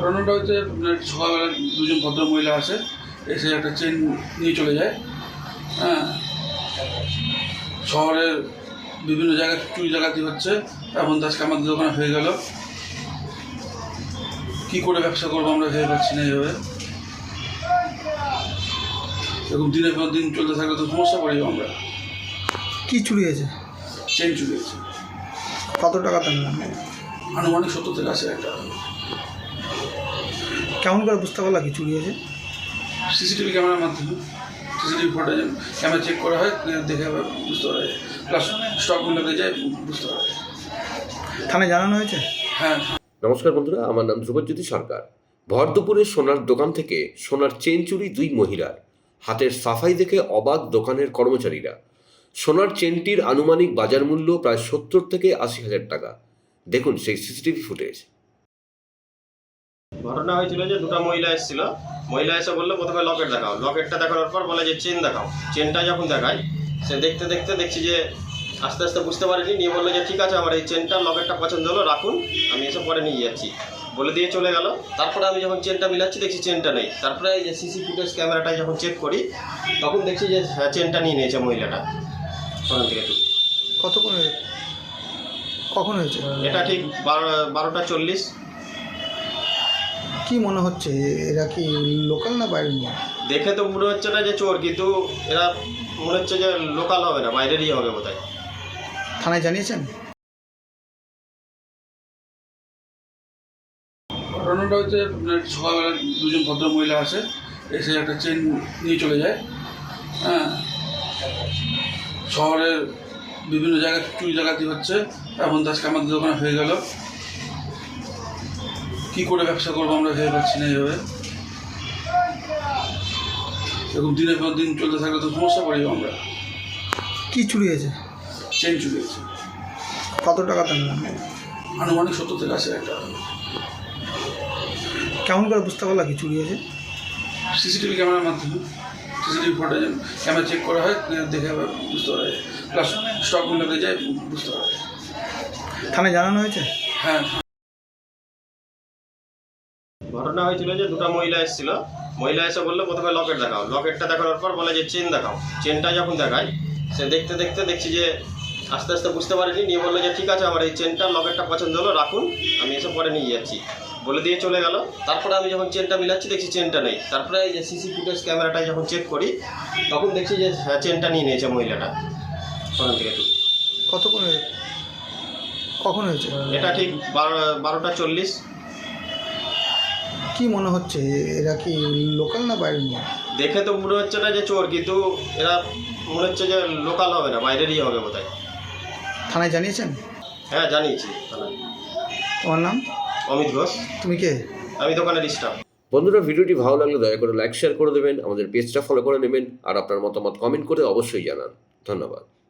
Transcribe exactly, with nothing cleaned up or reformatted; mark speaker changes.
Speaker 1: ঘটনাটা হচ্ছে আপনার সকালবেলা দুজন ভদ্র মহিলা আসে, এসে একটা চেন নিয়ে চলে যায়। হ্যাঁ, শহরের বিভিন্ন জায়গায় চুরি ডাকাতি হচ্ছে, এমন আজকে আমাদের দোকানে হয়ে গেল। কি করে ব্যবসা করবো আমরা ভেবে পাচ্ছি না। এইভাবে এরকম দিনের পর দিন চলতে থাকলে তো সমস্যা পড়ি আমরা।
Speaker 2: কি চুরি হয়েছে?
Speaker 1: চেন চুরি হয়েছে।
Speaker 2: কত টাকা দাম?
Speaker 1: আনুমানিক সত্তর থেকে আশি হাজার টাকা।
Speaker 2: কেমন করে বুঝতে পারলা কি চুরি হয়েছে?
Speaker 1: সিসিটিভি ক্যামেরার মাধ্যমে সিসিটিভি ফুটেজ ক্যামেরা চেক করা হয়, দেখে বুঝতে পারা যায়, প্লাস স্টক মিলাতে যায় বুঝতে পারা যায়।
Speaker 2: থানায় জানানো হয়েছে?
Speaker 1: হ্যাঁ।
Speaker 3: নমস্কার বন্ধুরা, আমার নাম ধ্রুবজ্যোতি সরকার। ভর দুপুরে সোনার দোকান থেকে সোনার চেন চুরি দুই মহিলার। হাতের সাফাই দেখে অবাক দোকানের কর্মচারীরা। সোনার চেনটির আনুমানিক বাজার মূল্য প্রায় সত্তর থেকে আশি হাজার টাকা। দেখুন সেই সিসিটিভি ফুটেজ।
Speaker 4: ঘটনা হয়েছিল যে দুটো মহিলা এসেছিল, মহিলা এসে বললো প্রথমে লকেট দেখাও, লকেটটা দেখানোর পর বলে যে চেন দেখাও। চেনটা যখন দেখায় সে দেখতে দেখতে দেখছি যে আস্তে আস্তে বুঝতে পারিনি, নিয়ে বললো যে ঠিক আছে আমার এই চেনটা লকেটটা পছন্দ হলো, রাখুন, আমি এসে পরে নিয়ে যাচ্ছি বলে দিয়ে চলে গেল। তারপরে আমি যখন চেনটা মিলাচ্ছি দেখছি চেনটা নেই। তারপরে এই যে সিসি ফুটেজ ক্যামেরাটায় যখন চেক করি তখন দেখছি যে হ্যাঁ চেনটা নিয়ে নিয়েছে মহিলাটা ওখান থেকে।
Speaker 2: কতক্ষণ হয়েছে? কখন হয়েছে
Speaker 4: এটা? ঠিক বারো বারোটা চল্লিশ।
Speaker 2: কি মনে হচ্ছে এরা কি লোকাল না বাইরের নিয়ে?
Speaker 4: দেখে তো মনে হচ্ছে না যে চোর, কিন্তু এরা মনে হচ্ছে যে লোকাল হবে না, বাইরেরই হবে বোধহয়।
Speaker 2: থানায় জানিয়েছেন?
Speaker 1: ঘটনাটা হচ্ছে আপনার সকালবেলা দুজন ভদ্র মহিলা আসে, এসে একটা চেন নিয়ে চলে যায়। হ্যাঁ, শহরের বিভিন্ন জায়গায় চুরি ডাকাতি হচ্ছে, এমন আজকে আমাদের দোকানে হয়ে গেল। কি করে ব্যবসা করবো আমরা ভেবে পাচ্ছি না। এইভাবে এরকম দিনের পর দিন চলতে থাকলে তো সমস্যা পড়ি আমরা।
Speaker 2: কি চুরি হয়েছে?
Speaker 1: চেন চুরি হয়েছে।
Speaker 2: কত টাকা দাম?
Speaker 1: আনুমানিক সত্তর থেকে আশি হাজার টাকা।
Speaker 2: কেমন করে বুঝতে পারলা কি চুরি হয়েছে?
Speaker 1: সিসিটিভি ক্যামেরার মাধ্যমে সিসিটিভি ফুটেজ ক্যামেরা চেক করা হয়, দেখে বুঝতে পারা যায়, প্লাস স্টক মিলাতে যায় বুঝতে পারা যায়।
Speaker 2: থানায় জানানো হয়েছে?
Speaker 1: হ্যাঁ।
Speaker 4: ঘটনা হয়েছিল যে দুটো মহিলা এসেছিল, মহিলা এসে বললো প্রথমে লকেট দেখাও, লকেটটা দেখানোর পর বলে যে চেন দেখাও। চেনটা যখন দেখায় সে দেখতে দেখতে দেখছি যে আস্তে আস্তে বুঝতে পারিনি, নিয়ে বললো যে ঠিক আছে আমার এই চেনটা লকেটটা পছন্দ হলো, রাখুন, আমি এসে পরে নিয়ে যাচ্ছি বলে দিয়ে চলে গেল। তারপরে আমি যখন চেনটা মিলাচ্ছি দেখছি চেনটা নেই। তারপরে এই যে সিসি ফুটেজ ক্যামেরাটায় যখন চেক করি তখন দেখছি যে হ্যাঁ চেনটা নিয়ে নিয়েছে মহিলাটা ওখান থেকে।
Speaker 2: কতক্ষণ হয়েছে? কখন হয়েছে?
Speaker 4: এটা ঠিক বারো বারোটা চল্লিশ।
Speaker 2: কি মনে হচ্ছে এরা কি লোকাল না বাইরের নিয়ে?
Speaker 4: দেখে তো মনে হচ্ছে না যে চোর, কিন্তু এরা মনে হচ্ছে যে লোকাল হবে না, বাইরেরই হবে বোধহয়।
Speaker 2: থানায় জানিয়েছেন?
Speaker 4: হ্যাঁ জানিয়েছি থানায়।
Speaker 2: তোমার নাম?
Speaker 4: অমিত ঘোষ।
Speaker 2: তুমি কে?
Speaker 4: আমি দোকানের স্টাফ।
Speaker 3: বন্ধুরা, ভিডিওটি ভালো লাগলে দয়া করে লাইক শেয়ার করে দেবেন, আমাদের পেজটা ফলো করে নেবেন, আর আপনার মতামত কমেন্ট করে অবশ্যই জানান। ধন্যবাদ।